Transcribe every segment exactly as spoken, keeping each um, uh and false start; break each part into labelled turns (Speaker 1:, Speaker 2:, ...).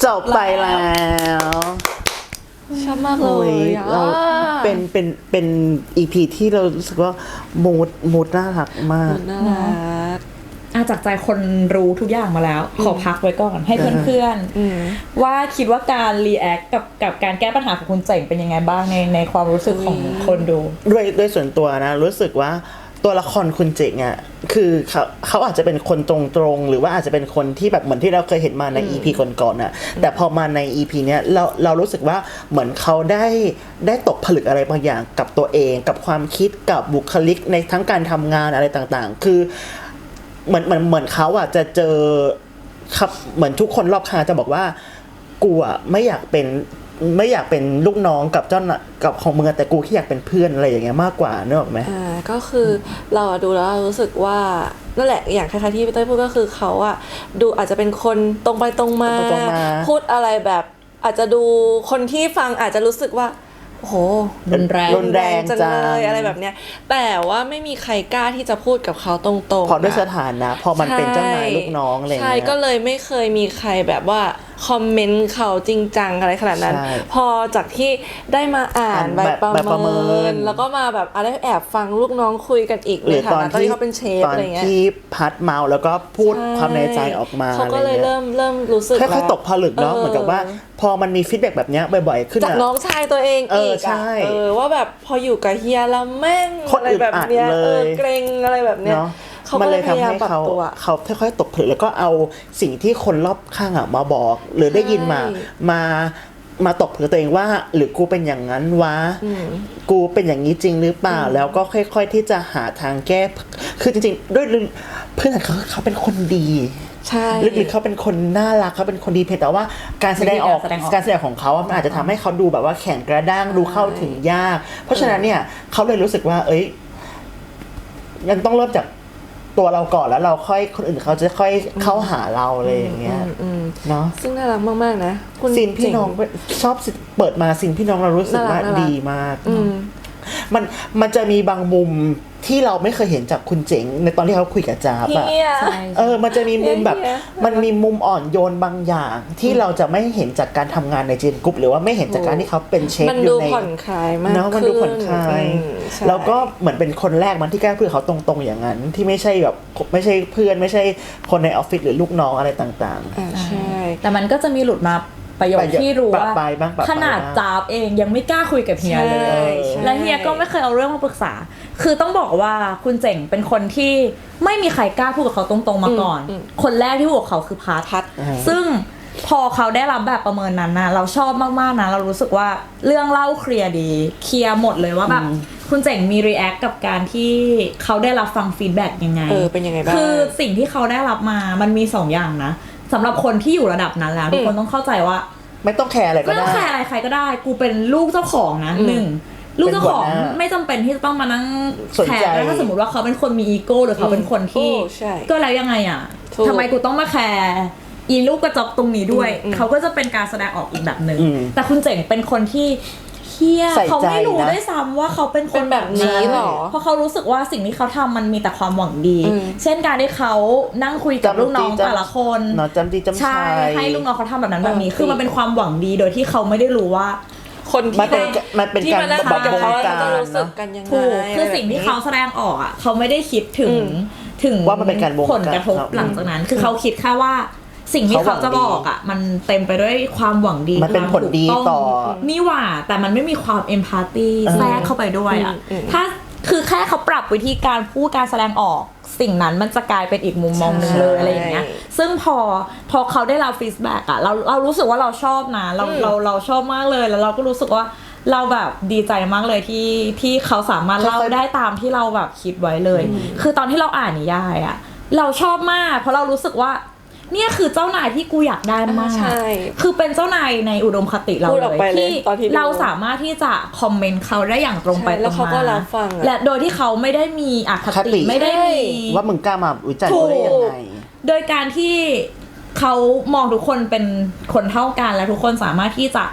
Speaker 1: จบไปแล้ว
Speaker 2: ชอบมากเลย
Speaker 1: เราเป็นเป็นเป็น อี พี ที่เรารู้สึกว่ามูดมูดน่ารักมาก
Speaker 2: น่ารัก
Speaker 3: อาจากใจคนรู้ทุกอย่างมาแล้วขอพักไว้ก่อนให้เพื่อนๆว่าคิดว่าการรีแอคกับกับการแก้ปัญหาของคุณเจ๋งเป็นยังไงบ้างในในความรู้สึกของคนดู
Speaker 1: ด้วยด้วยส่วนตัวนะรู้สึกว่าตัวละครคุณเจ๋งอ่ะคือเขาเขาอาจจะเป็นคนตรงๆหรือว่าอาจจะเป็นคนที่แบบเหมือนที่เราเคยเห็นมาใน อี พี ก่อนๆน่ะแต่พอมาใน อี พี เนี้ยเราเรารู้สึกว่าเหมือนเขาได้ได้ตกผลึกอะไรบางอย่างกับตัวเองกับความคิดกับบุคลิกในทั้งการทำงานอะไรต่างๆคือเหมือนเหมือนเหมือนเขาอ่ะจะเจอครับเหมือนทุกคนรอบข้างจะบอกว่ากูอ่ะไม่อยากเป็นไม่อยากเป็นลูกน้องกับเจ้ากับของมึงแต่กูแค่อยากเป็นเพื่อนอะไรอย่างเงี้ยมากกว่านึกออกไหม
Speaker 2: อ่าก็คือเราดูแล้วรู้สึกว่านั่นแหละอย่างคล้ายๆที่พี่เต้ยพูดก็คือเขาอะดูอาจจะเป็นคนตรงไปตรงมาพูดอะไรแบบอาจจะดูคนที่ฟังอาจจะรู้สึกว่าโอ้โห
Speaker 3: รุนแรง
Speaker 1: รุนแรง
Speaker 2: จังเลยอะไรแบบเนี้ยแต่ว่าไม่มีใครกล้าที่จะพูดกับเขาตรงๆ
Speaker 1: พอด้วยสถานะพอมันเป็นเจ้านายลูกน้องอะไรเงี้ย
Speaker 2: ใช่ก็เลยไม่เคยมีใครแบบว่าคอมเมนต์เขาจริงจังอะไรขนาดนั้นพอจากที่ได้มาอ่านแบบประเมินแล้วก็มาแบบอะไรแอบฟังลูกน้องคุยกันอีก
Speaker 1: หรือตอนที่
Speaker 2: เขาเป็นเชฟอะไรเงี้ย
Speaker 1: ตอนที่พัดเมาแล้วก็พูดความในใจออกมา
Speaker 2: เขาก็เลยเริ่มเริ่มรู้สึก
Speaker 1: ค่อยๆตกผลึกเนาะเหมือนกับว่าพอมันมีฟีดแบ็กแบบนี้บ่อยๆขึ้น
Speaker 2: จากน้องชายตัวเองอีกอ่ะเออว่าแบบพออยู่กับเฮียแล้วแม่งอะไรแบบเนี้ยเออเกรงอะไรแบบเนี้ย
Speaker 1: มันเลยทำให้เขาเขาค่อยๆตกผลึกแล้วก็เอาสิ่งที่คนรอบข้างอ่ะมาบอกหรือได้ยินมามามาตกผลึกตัวเองว่าหรือกูเป็นอย่างนั้นวะกูเป็นอย่างนี้จริงหรือเปล่าแล้วก็ค่อยๆที่จะหาทางแก้คือจริงๆด้วยเพื่อนเขาเขาเป็นคนดี
Speaker 2: ใช่
Speaker 1: ลึกๆเขาเป็นคนน่ารักเขาเป็นคนดีเพียงแต่ว่าการแสดงออกการแสดงของเขามันอาจจะทำให้เขาดูแบบว่าแข็งกระด้างดูเข้าถึงยากเพราะฉะนั้นเนี่ยเขาเลยรู้สึกว่าเอ้ยยังต้องเริ่มจากตัวเราก่อนแล้วเราค่อยคนอื่นเขาจะค่อยเข้าหาเราอะไรอย่างเงี้ยเนาะ
Speaker 2: ซึ่งน่ารักมากๆนะ
Speaker 1: คุณซินพี่น้องชอบเปิดมาซินพี่น้องเรารู้สึกว่าดีมากมันมันจะมีบางมุมที่เราไม่เคยเห็นจากคุณเจ๋งในตอนที่เขาคุยกับจ๊าบอะเออมันจะมีมุมแบบมันมีมุมอ่อนโยนบางอย่างที่เราจะไม่เห็นจากการทำงานในเจนกรุ๊ปหรือว่าไม่เห็นจากการที่เขาเป็นเชฟอยู่ใน
Speaker 2: มันดูผ่อนคลายมาก
Speaker 1: เนาะมันดูผ่อนคลายแล้วก็เหมือนเป็นคนแรกมันที่กล้าพูดเขาตรงๆอย่างนั้นที่ไม่ใช่แบบไม่ใช่เพื่อนไม่ใช่คนในออฟฟิศหรือลูกน้องอะไรต่าง
Speaker 2: ๆอ่าใช่
Speaker 3: แต่มันก็จะมีหลุดมาประโยคที่รู้ว่าขนาดจ๊าบเองยังไม่กล้าคุยกับเฮียเลยและเฮียก็ไม่เคยเอาเรื่องมาปรึกษาคือต้องบอกว่าคุณเจ๋งเป็นคนที่ไม่มีใครกล้าพูดกับเขาตรงๆมาก่อนคนแรกที่พูดกับเขาคือพาทัศน์ซึ่งพอเขาได้รับแบบประเมินนั้นนะเราชอบมากๆนะเรารู้สึกว่าเรื่องเล่าเคลียร์ดีเคลียร์หมดเลยว่าแบบคุณเจ๋งมีรีแอคกับการที่เขาได้รับฟังฟีดแบ็กยังไง
Speaker 2: เออเป็นยังไงบ้าง
Speaker 3: คือสิ่งที่เขาได้รับมามันมีสองอย่างนะสำหรับคนที่อยู่ระดับนั้นแล้วทุกคนต้องเข้าใจว่า
Speaker 1: ไม่ต้องแคร์อะไรก็ได้
Speaker 3: ไม่ต้องแคร์อะไรใครก็ได้กูเป็นลูกเจ้าของนะหนึ่งลูกเจ้าของไม่จำเป็นที่จะต้องมานั่งแคร์แล้วถ้าสมมติว่าเขาเป็นคนมีอีโก้หรือเขาเป็นคนที่ก็แล้วยังไงอ่ะทำไมกูต้องมาแคร์อีลูกกระจอกตรงนี้ด้วยเขาก็จะเป็นการแสดงออกอีกแบบนึงแต่คุณเจ๋งเป็นคนที่เฮียเขาไม่รู้ด้วยซ้ำว่าเขาเป็นคนแบบนี้หรอเพราะเขารู้สึกว่าสิ่งที่เขาทำมันมีแต่ความหวังดีเช่นการที่เขานั่งคุยกับลูกน้องแต่ละคน
Speaker 1: จำดีจำ
Speaker 3: ใช่ให้ลูกน้องเขาทำแบบนั้นแบบนี้คือมันเป็นความหวังดีโดยที่เขาไม่ได้รู้ว่า
Speaker 2: คนที่
Speaker 1: มันเป็นมันเป็นการ
Speaker 2: บอกกับเขา
Speaker 1: จะ
Speaker 2: รู้สึกกันยังไง
Speaker 3: คือสิ่งที่เขาแสดงออกอ่ะเขาไม่ได้คิดถึงถึง
Speaker 1: ว่ามันเป็นการ
Speaker 3: ผลกระทบหลังจากนั้นคือเขาคิดแค่ว่าสิ่งที่เขาจะบอกอ่ะมันเต็มไปด้วยความหวังดี
Speaker 1: มันเป็นผลดีต่อ
Speaker 3: นี่หว่าแต่มันไม่มีความเอมพาธีแทรกเข้าไปด้วยอ่ะถ้าคือแค่เขาปรับวิธีการพูดการแสดงออกสิ่งนั้นมันจะกลายเป็นอีกมุมมองนึงเลยอะไรอย่างเงี้ยซึ่งพอพอเขาได้รับฟีดแบ็กอ่ะเราเรารู้สึกว่าเราชอบนะเราเราเราชอบมากเลยแล้วเราก็รู้สึกว่าเราแบบดีใจมากเลยที่ที่เขาสามารถเล่าได้ตามที่เราแบบคิดไว้เลยคือตอนที่เราอ่านนิยายอ่ะเราชอบมากเพราะเรารู้สึกว่าเนี่ยคือเจ้านายที่กูอยากได้มากคือเป็นเจ้านายในอุดมคติเราเลยที่เราสามารถที่จะคอมเมนต์เขาได้อย่างตรงไปตรงมาและโดยที่เขาไม่ได้มีอคติไม่ได้มี
Speaker 1: ว่ามึงกล้ามาวิจารณ์กูได้ยังไง
Speaker 3: โดยการที่เขามองทุกคนเป็นคนเท่ากันและทุกคนสามารถที่จะ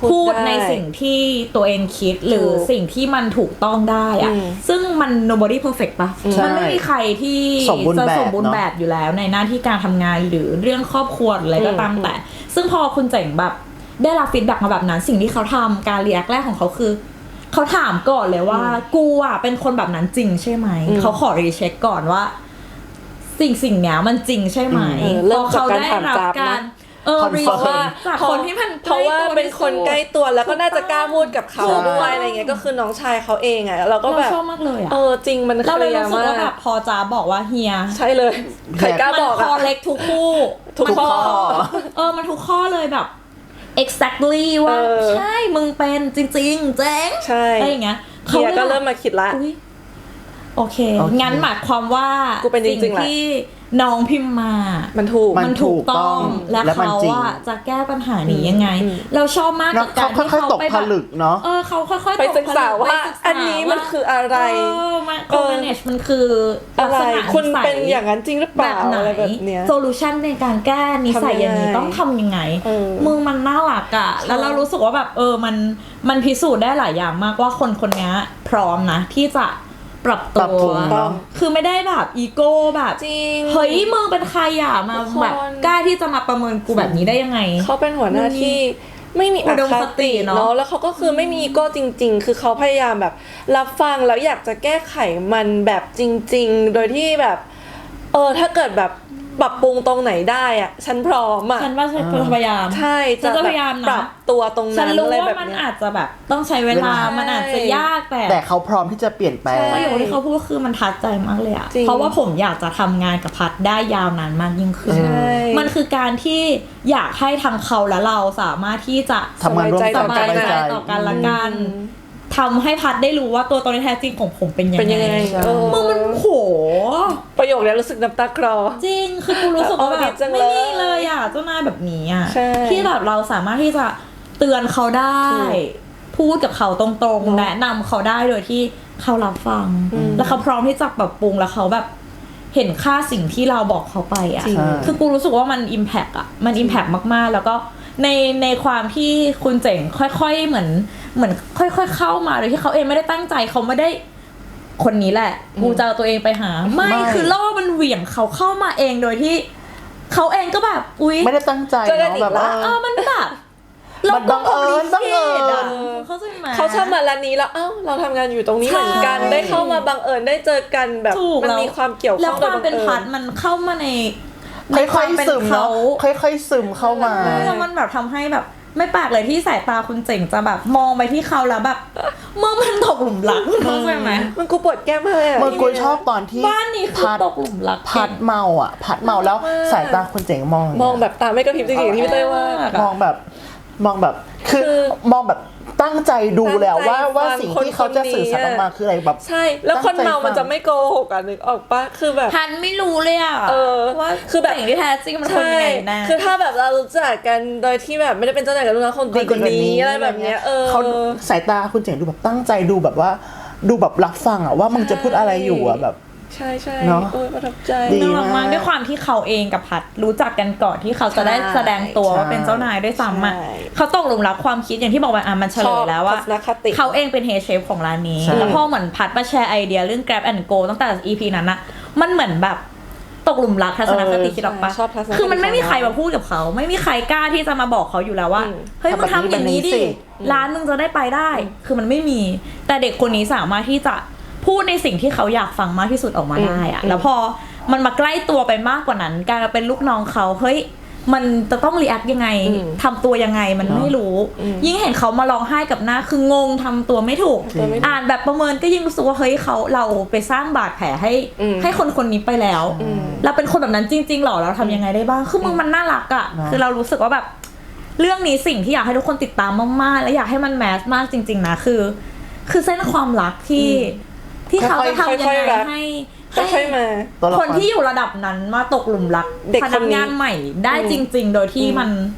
Speaker 3: พูดในสิ่งที่ตัวเองคิดหรือสิ่งที่มันถูกต้องได้อะซึ่งมัน nobody perfect ปะมันไม่มีใครที่จะสมบูรณ์แบบอยู่แล้วในหน้าที่การทำงานหรือเรื่องครอบครัวอะไรก็ตามแต่ซึ่งพอคุณเจ๋งแบบได้รับฟีดแบ็กมาแบบนั้นสิ่งที่เขาทำการรีแอคแรกของเขาคือเขาถามก่อนเลยว่ากูอ่ะเป็นคนแบบนั้นจริงใช่ไหมเขาขอรีเช็คก่อนว่าสิ่งสิ่งเนี้ยมันจริงใช่ไหมพอเขาได้รับการเออรีว่าจากคนที่มัน
Speaker 2: เพราะว่าเป็นคนใกล้ตัวแล้วก็น่าจะกล้าพูดกับเขาด้วยอะไรเงี้ยก็คือน้องชายเขาเองอ่ะเราก็แบบ
Speaker 3: ชอบมากเลยอ่ะ
Speaker 2: เออจริงมันเคลียร์มาก
Speaker 3: แบบพอจ้าบอกว่าเฮีย
Speaker 2: ใช่เลยใครกล้าบอกอ่ะ
Speaker 3: มันคอเล็กทุกคู่
Speaker 1: ทุกข้อ
Speaker 3: เออมันทุกข้อเลยแบบ exactly ว่าใช่มึงเป็นจริงๆเจ๊ง
Speaker 2: ใช่
Speaker 3: อะไรอย่างเงี้ย
Speaker 2: เฮียก็เริ่มมาคิดละ
Speaker 3: โอเคงั้นหมายความว่าสิ่งที่น้องพิมพ์มา
Speaker 2: มันถูก
Speaker 3: มันถูกต้องและเขาว่าจะแก้ปัญหานี้ยังไงเราชอบมากกับการที่เขาไป
Speaker 1: ผลึกเนาะ
Speaker 3: เออเขาค่อยๆ
Speaker 2: ไปศึกษาว่าอันนี้มันคืออะไร
Speaker 3: เออมัน manage มันคือ
Speaker 2: อะไรคุณเป็นอย่างนั้นจริงหรือเปล่าอะไรแบบเนี้ย
Speaker 3: solution ในการแก้นิสัยอย่างนี้ต้องทำยังไงมึงมันน่ารักอะแล้วเรารู้สึกว่าแบบเออมันมันพิสูจน์ได้หลายอย่างมากว่าคนคนนี้พร้อมนะที่จะปรับตัวคือไม่ได้แบบอีโก้แบบ
Speaker 2: จริง
Speaker 3: เฮ้ยมึงเป็นใครอ่ะมาแบบกล้าที่จะมาประเมินกูแบบนี้ได้ยังไง
Speaker 2: เขาเป็นหัวหน้าที่ไม่มีอคติเนาะแล้วเขาก็คือไม่มีอีโก้จริงๆคือเขาพยายามแบบรับฟังแล้วอยากจะแก้ไขมันแบบจริงๆโดยที่แบบเออถ้าเกิดแบบปรับปรุงตรงไหนได้อ่ะฉันพร้อมอ่ะ
Speaker 3: ฉันว่าฉันพยายาม
Speaker 2: ใช่จะพยายามปรับตัวตรงนั้น
Speaker 3: อะไรแบบนี้ฉันรู้ว่ามันอาจจะแบบต้องใช้เวลามันอาจจะยากแต่
Speaker 1: แต่เขาพร้อมที่จะเปลี่ยนแปลง
Speaker 3: ประโยคที่เขาพูดคือมันทัดใจมากเลยอ่ะเพราะว่าผมอยากจะทำงานกับพัดได้ยาวนานมากยิ่งขึ้นมันคือการที่อยากให้ทั้งเขาและเราสามารถที่จะ
Speaker 1: ทำงานร่วมกัน
Speaker 3: สบายใจต่อกันละกันทำให้พัดได้รู้ว่าตัวตนแท้จริงของผมเป็นยังไงมึงมันโห
Speaker 2: ประโยคนี้รู้สึกน้ำตาคลอ
Speaker 3: จริงคือกูรู้สึกว่าแบบไม่มีเลยอ่ะเจ้านายแบบนี้อ่ะที่แบบเราสามารถที่จะเตือนเขาได้พูดกับเขาตรงๆแนะนำเขาได้โดยที่เขารับฟังแล้วเขาพร้อมที่จะปรับปรุงแล้วเขาแบบเห็นค่าสิ่งที่เราบอกเขาไปอ่ะคือกูรู้สึกว่ามันอิมแพคอ่ะมันอิมแพคมากๆแล้วก็ในในความที่คุณเจ๋งค่อยๆเหมือนเหมือนค่อยๆเข้ามาโดยที่เขาเองไม่ได้ตั้งใจเขาไม่ได้คนนี้แหละกูจะเอาตัวเองไปหาไม่คือล่อมันเหวี่ยงเขาเข้ามาเองโดยที่เขาเองก็แบบอุ๊ย
Speaker 1: ไม่ได้ตั้งใจเนาะแบบว่า
Speaker 3: เออมันแบบ
Speaker 1: มันบังเอิญบังเอิญ
Speaker 2: เขาใช่ไหมเขาชอบมาร้านนี้แล้วเอ้าเราทำงานอยู่ตรงนี้เหมือนกันได้เข้ามาบังเอิญได้เจอกันแบบมันมีความเกี่ยวข้อง
Speaker 3: แล้วความเป็นพัดมันเข้ามาใน
Speaker 1: ค่อยๆซึมเขาค่อยๆซึมเข้ามา
Speaker 3: แล้วมันแบบทำให้แบบไม่แปลกเลยที่สายตาคุณเจ๋งจะแบบมองไปที่เขาแล้วแบบเมื่อมันตกหลุมรักเข้าใจไหม
Speaker 2: มันกูปวดแก้มเลยอ่ะ
Speaker 1: มันกูชอบตอนที่
Speaker 3: บ้านนี้คือตกหลุมรัก
Speaker 1: พัดเมาอ่ะพัดเมาแล้วสายตาคุณเจ๋งมอง
Speaker 2: มองแบบตาไม่กระพริบจริงๆที่พี่เต้ว่าม
Speaker 1: องแบบมองแบบคือมองแบบตั้งใจดูแล้วว่าว่าสิ่งที่เขาจะสื่อสารออกมาคืออะไรแบบ
Speaker 2: ใช่แล้วคนเมามันจะไม่โกหกอ่ะนึกออกปะคือแบบ
Speaker 3: พันไม่รู้เลยอ่ะ
Speaker 2: ว่าคือแบบ
Speaker 3: สิ่งที่แท้จริงมันคนยังไงนะ
Speaker 2: คือถ้าแบบเรารู้จักกันโดยที่แบบไม่ได้เป็นเจ้านายกับลูกน้องคนดีคนนี้อะไรแบบเนี้ยเออ
Speaker 1: เขาสายตาคุณเจ๋งดูแบบตั้งใจดูแบบว่าดูแบบรับฟังอ่ะว่ามึงจะพูดอะไรอยู่อ่ะแบบ
Speaker 2: ใช่ใช่เนาะประทับใจ
Speaker 3: น่ารักมากด้วยความที่เขาเองกับพัดรู้จักกันก่อนที่เขาจะได้แสดงตัวว่าเป็นเจ้านายด้วยซ้ำอ่ะเขาตกหลุมรักความคิดอย่างที่บอกไปอ่ะมันเฉลยแล้วว่าเขาเองเป็นเฮดเชฟของร้านนี้แล้วพอเหมือนพัดมาแชร์ไอเดียเรื่อง Grab and Go ตั้งแต่ อี พี นั้นนะมันเหมือนแบบตกหลุมรักทัศนคติคิดออกปะคือมันไม่มีใครมาพูดกับเขาไม่มีใครกล้าที่จะมาบอกเขาอยู่แล้วว่าเฮ้ยมึงทำอย่างนี้ดิร้านมึงจะได้ไปได้คือมันไม่มีแต่เด็กคนนี้สามารถที่จะพูดในสิ่งที่เขาอยากฟังมากที่สุดออกมาได้อะแล้วพอมันมาใกล้ตัวไปมากกว่านั้นการเป็นลูกน้องเขาเฮ้ยมันจะต้องรีแอคยังไงทำตัวยังไงมันไม่รู้ยิ่งเห็นเขามาร้องไห้กับหน้าคืองงทำตัวไม่ถูกอ่านแบบประเมินก็ยิ่งรู้สึกว่าเฮ้ยเขาเราไปสร้างบาดแผลให้ให้คนคนนี้ไปแล้วเราเป็นคนแบบนั้นจริงๆหรอเราทำยังไงได้บ้างคือมึงมันน่ารักอ่ะคือเรารู้สึกว่าแบบเรื่องนี้สิ่งที่อยากให้ทุกคนติดตามมากๆและอยากให้มันแมสมากจริงๆนะคือคือเส้นความรักที่ที่เขาจะทำยังไงให้
Speaker 2: ให้มา
Speaker 3: คนที่อยู่ระดับนั้นมาตกหลุมรักพนักงานใหม่ได้จริงๆโดยที่มัน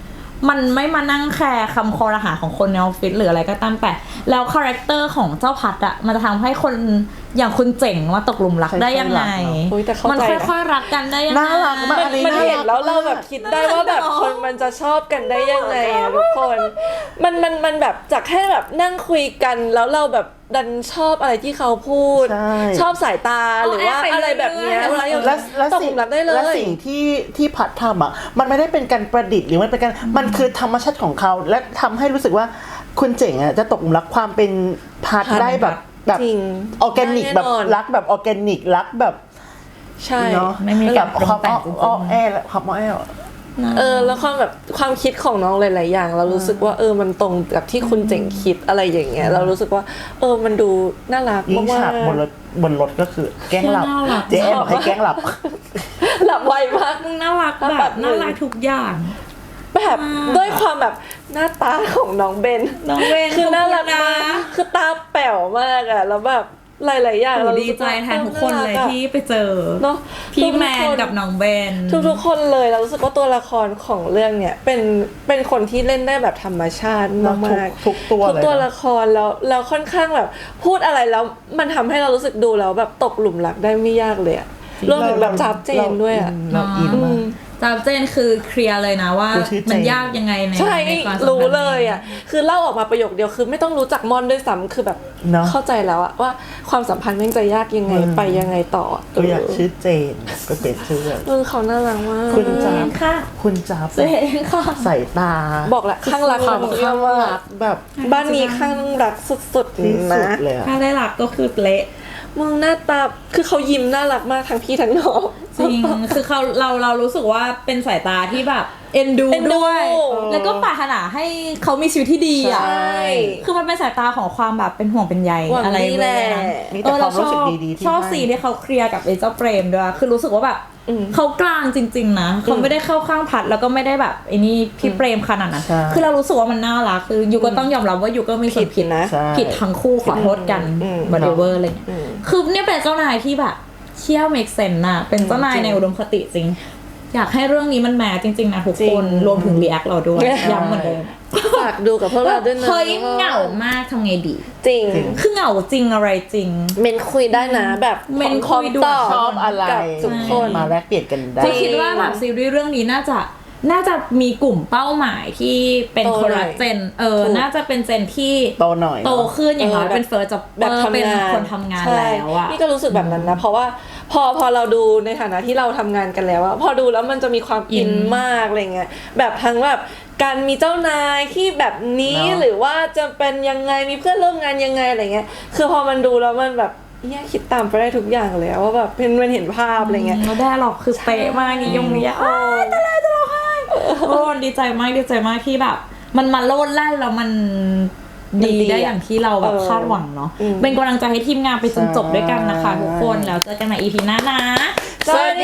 Speaker 3: มันไม่มานั่งแคร์คำคอรหาของคนในออฟฟิศหรืออะไรก็ตามแต่แล้วคาแรคเตอร์ของเจ้าพัดอะมันจะทำให้คนอย่างคุณเจ๋งมาตกหลุมรักได้ยังไง
Speaker 2: อุ๊ยแต่เข้าใจนะ
Speaker 3: มันค่อยๆรักกันได้ยังไง
Speaker 1: น่ารักมาก
Speaker 2: มันมันเห็นแล้วเราแบบคิดได้ว่าแบบคนมันจะชอบกันได้ยังไงอะทุกคนมันมันมันแบบจากแค่แบบนั่งคุยกันแล้วเราแบบดันชอบอะไรที่เขาพูด
Speaker 1: ใช่
Speaker 2: ชอบสายตาหรือว่าอะไรแบบเนี้ย
Speaker 3: เอาแอบไปเรื่อยๆ
Speaker 2: แล้ว
Speaker 1: และและ
Speaker 2: ตกห
Speaker 1: สิ่
Speaker 2: ลุ
Speaker 1: ง
Speaker 2: มรักได้เล
Speaker 1: และ
Speaker 2: ย
Speaker 1: สิ่งที่ที่พัดทำอ่ะมันไม่ได้เป็นการประดิษฐ์หรือมันเป็นการมันคือธรรมชาติของเขาและทำให้รู้สึกว่าคุณเจ๋งอ่ะจะตกหลุมรักความเป็นพัด
Speaker 3: พัด
Speaker 1: ได้แบบแบบ
Speaker 2: จริง
Speaker 1: ออร์แกนิก
Speaker 2: แน่
Speaker 1: แบบ
Speaker 2: นอน
Speaker 1: รักแบบออร์แกนิกรักแบบ
Speaker 2: ใช่
Speaker 1: เนาะ
Speaker 3: ไม่มี
Speaker 1: แบ
Speaker 3: การ
Speaker 1: บ
Speaker 3: ปรุง
Speaker 1: ความ
Speaker 3: แต่ง
Speaker 1: อ้อ
Speaker 3: จริงๆ
Speaker 1: อ้อแอและความอ้อแอ
Speaker 2: เออแล้วความแบบความคิดของน้องหลาย ๆ อย่าง เรารู้สึกว่าเออมันตรงกับที่คุณเจ๋งคิดอะไรอย่างเงี้ยเรารู้สึกว่าเออมันดูน่ารัก
Speaker 1: ยิ่ง
Speaker 2: มา
Speaker 1: ฉาก
Speaker 2: ก
Speaker 1: บนรถบนรถก็คือแกล้งหลับ
Speaker 3: น่ารัก
Speaker 1: เจ๊แอนบอกให้แกล้งหลับ
Speaker 2: ๆหลับไวมาก
Speaker 3: มึงน่ารัก
Speaker 2: แบ
Speaker 3: แบบ บน่ารักทุกอย่าง
Speaker 2: แบบด้วยความแบบหน้าตาของน้องเบน
Speaker 3: น้องเบน
Speaker 2: คือน่ารัก
Speaker 3: ขอบคุณนะ
Speaker 2: มากคือตาแป๋วมากอะแล้วแบบหลาย ๆ อย่าง
Speaker 3: โอ้
Speaker 2: เรา
Speaker 3: ดี
Speaker 2: รู้สึก
Speaker 3: ใจ
Speaker 2: ว่า
Speaker 3: แทนทุกคนเลย
Speaker 2: ารัอะ
Speaker 3: ที่ไปเจอ
Speaker 2: เนอะ
Speaker 3: พี่แมน
Speaker 2: ทุกๆคน
Speaker 3: กับน้องเบน
Speaker 2: ทุกๆคนเลยเรารู้สึกว่าตัวละครของเรื่องเนี่ยเป็นเป็นคนที่เล่นได้แบบธรรมชาติมากๆ
Speaker 1: ทุกทุกตัว
Speaker 2: ทุก
Speaker 1: เลย
Speaker 2: ตัว
Speaker 1: นะ
Speaker 2: ละครแล้วแล้วค่อนข้างแบบพูดอะไรแล้วมันทำให้เรารู้สึกดูแล้วแบบตกหลุมรักได้ไม่ยากเลยอะรวมถึงแบบจับเจนด้วยอะ
Speaker 1: เราอินมาก
Speaker 3: จามเจนคือเคลียร์เลยนะว่า
Speaker 1: กูชื่อเจน
Speaker 3: มันยากยังไงใน
Speaker 2: ใช่
Speaker 3: ในความสัมพันธ์
Speaker 2: รู้เลยอ่ะคือเล่าออกมาประโยคเดียวคือไม่ต้องรู้จักมอนด้วยซ้ำคือแบบ
Speaker 1: เนอะ
Speaker 2: เข้าใจแล้วอะว่าความสัมพันธ์แม่งจะยากยังไง
Speaker 1: อืม
Speaker 2: ไปยังไงต่อ
Speaker 1: ก็อยากชื่อเจนก็เป็นชื่อแบบ
Speaker 2: เออเขาน่ารักมาก
Speaker 1: คุณ
Speaker 3: เจ
Speaker 1: จ๊ะ
Speaker 3: นค่ะ
Speaker 1: คุณจ๊าบ
Speaker 3: เจนค่ะ
Speaker 1: ใส่ตา
Speaker 2: บอกแหละข้างรัก
Speaker 1: ความ
Speaker 2: ของ
Speaker 1: ข้าง
Speaker 2: ว่า
Speaker 1: รักแบบ
Speaker 2: บ้านนี้ข้างรักสุด
Speaker 1: ที่
Speaker 2: ๆ
Speaker 1: สุ
Speaker 2: นะ
Speaker 1: ดเลยอะ
Speaker 3: ถ้าได้รักก็คือเละ
Speaker 2: มึงหน้าตาคือเขายิ้มน่ารักมากทั้งพี่ทั้งน้อง
Speaker 3: จริง คือเขาเราเรารู้สึกว่าเป็นสายตาที่แบบเอ็นดู
Speaker 2: เอ็นดู
Speaker 3: ด้วย แล้วก็ปรารถนาให้เขามีชีวิตที่ดีอ่ะ
Speaker 2: ใช่
Speaker 3: คือมันเป็นสายตาของความแบบเป็นห่วงเป็นใย
Speaker 2: หวัง
Speaker 3: อะไร
Speaker 2: ดีแหละ
Speaker 3: เย
Speaker 1: มีแต่ความรู้สึกดีๆที่
Speaker 3: ชอบ
Speaker 1: ให้
Speaker 3: สีที่เขาเคลียร์กับไอ้เจ้าเปรมด้วยคือรู้สึกว่าแบบ
Speaker 2: อืม
Speaker 3: เขากลางจริง ๆ นะเขาไม่ได้เข้าข้างพัดแล้วก็ไม่ได้แบบไอ้นี่พี่เปรมขนาดนั้น
Speaker 1: ใช่
Speaker 3: คือเรารู้สึกว่ามันน่ารักคือยูก็ต้องยอมรับว่ายูก็มีส่วนผิด
Speaker 2: นะ
Speaker 1: ใช่
Speaker 3: ผิดทั้งคู่ขอโทษกัน
Speaker 2: อืม
Speaker 3: บอดี้เวอร์อะไรเงี้ย
Speaker 2: อืม
Speaker 3: คือเนี่ยเป็นเจ้านายที่แบบเชี่ยวเมกเซนน่ะเป็นเจ้านายในอุดมคติจริง อยากให้เรื่องนี้มันแมสจริงๆนะทุก
Speaker 2: จริ
Speaker 3: ค
Speaker 2: ง
Speaker 3: นรวมถึงรีแอคเราด้วยย้ำเหมือนเดิม
Speaker 2: ฝากดูกับพวกเราด้วยนะ
Speaker 3: เฮ้ยเหงามากทำไงดี
Speaker 2: จริง
Speaker 3: คือเหงาจริงอะไรจริง
Speaker 2: เมนคุยได้นะแบบ
Speaker 3: เมน
Speaker 2: พร้อม
Speaker 3: คุยด่วน
Speaker 2: ตอบ
Speaker 1: ชอบอะไร
Speaker 2: กับทุกคน
Speaker 1: มาแลกเปลี่ยนกันได้
Speaker 3: ก็คิดว่าแบบซีรีส์เรื่องนี้น่าจะน่าจะมีกลุ่มเป้าหมายที่เป็น
Speaker 2: โต
Speaker 3: คน
Speaker 2: หน่
Speaker 3: ละ
Speaker 2: อย
Speaker 3: เจนเออ
Speaker 2: ถูก
Speaker 3: น่าจะเป็นเจนที่
Speaker 1: โตหน่อย
Speaker 3: โตขึ้นอย่างน้อย
Speaker 2: เออแบบ
Speaker 3: เป็นเฟิร์สจ็อบ
Speaker 2: แบบทำ
Speaker 3: เป็น
Speaker 2: งาน
Speaker 3: คนทำงาน
Speaker 2: ใช่
Speaker 3: แล้วอะ
Speaker 2: นี่ก็รู้สึกแบบนั้นนะ เพราะว่าพอพอเราดูในฐานะที่เราทำงานกันแล้วอะพอดูแล้วมันจะมีความอินมากอะไรเงี้ยแบบทั้งแบบการมีเจ้านายที่แบบนี้
Speaker 1: เนอะ
Speaker 2: หรือว่าจะเป็นยังไงมีเพื่อนร่วมงานยังไงอะไรเงี้ยคือพอมันดูแล้วมันแบบเนี่ยคิดตามไปได้ทุกอย่างเลยอะว่าแบบเป็นมันเห็นภาพอะไรเงี้ย
Speaker 3: แล้วได้หรอกคือเป๊ะมากนี่ยงนี้อ้ายตายแล้วจะร้องไห้โอ้ดีใจมากดีใจมากที่แบบ มันมาโลดแล่นแล้วมันดี
Speaker 2: มันดี
Speaker 3: ได้อย่างที่เราแบบ
Speaker 2: เออ
Speaker 3: คาดหวังเนาะ
Speaker 2: อืม
Speaker 3: เป็นกำลังใจให้ทีมงานไปจนจบด้วยกันนะคะ
Speaker 1: ใช่
Speaker 3: ทุกคนแล้วเจอกันในอีพีหน้านะ
Speaker 2: สวัสดี